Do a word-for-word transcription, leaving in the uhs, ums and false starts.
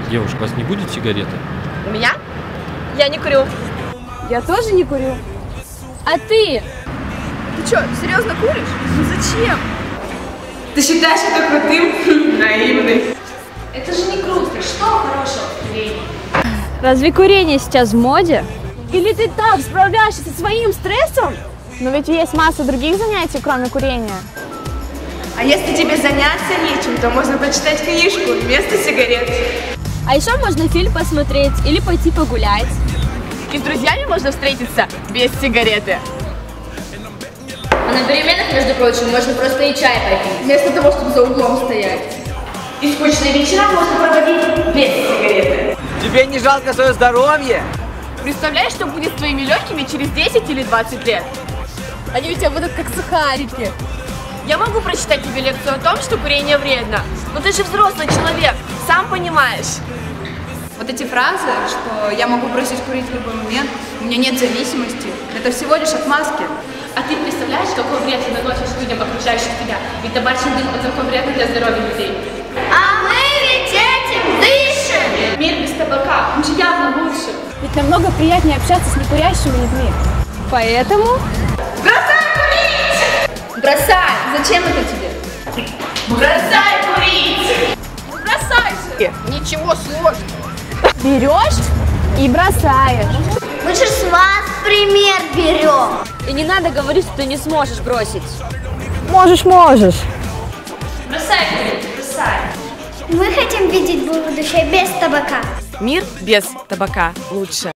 Девушка, у вас не будет сигареты? У меня? Я не курю. Я тоже не курю. А ты? Ты что, серьезно куришь? Ну зачем? Ты считаешь это крутым? Наивный. Это же не круто. Что хорошего в курении? Разве курение сейчас в моде? Или ты так справляешься со своим стрессом? Но ведь есть масса других занятий, кроме курения. А если тебе заняться нечем, то можно почитать книжку вместо сигарет. А еще можно фильм посмотреть или пойти погулять. И с друзьями можно встретиться без сигареты. А на переменах, между прочим, можно просто и чай попить, Вместо того, чтобы за углом стоять. и скучные вечера можно проводить без сигареты. Тебе не жалко свое здоровье? Представляешь, что будет с твоими легкими через десять или двадцать лет? Они у тебя будут как сухарики. Я могу прочитать тебе лекцию о том, что курение вредно, но ты же взрослый человек, сам понимаешь. Вот эти фразы, что я могу бросить курить в любой момент, у меня нет зависимости, это всего лишь отмазки. А ты представляешь, какой вред ты наносишь людям, окружающим тебя? Ведь табачный дым – это такой вредно для здоровья людей. А мы ведь этим дышим! Мир без табака, он же явно лучше. Ведь намного приятнее общаться с некурящими людьми. Поэтому... Бросай! Зачем это тебе? Бросай курить! Бросай же! Ничего сложного. берешь и бросаешь. Мы же с вас пример берем. И не надо говорить, что ты не сможешь бросить. Можешь, можешь. Бросай курить, бросай! Мы хотим видеть будущее без табака. Мир без табака лучше.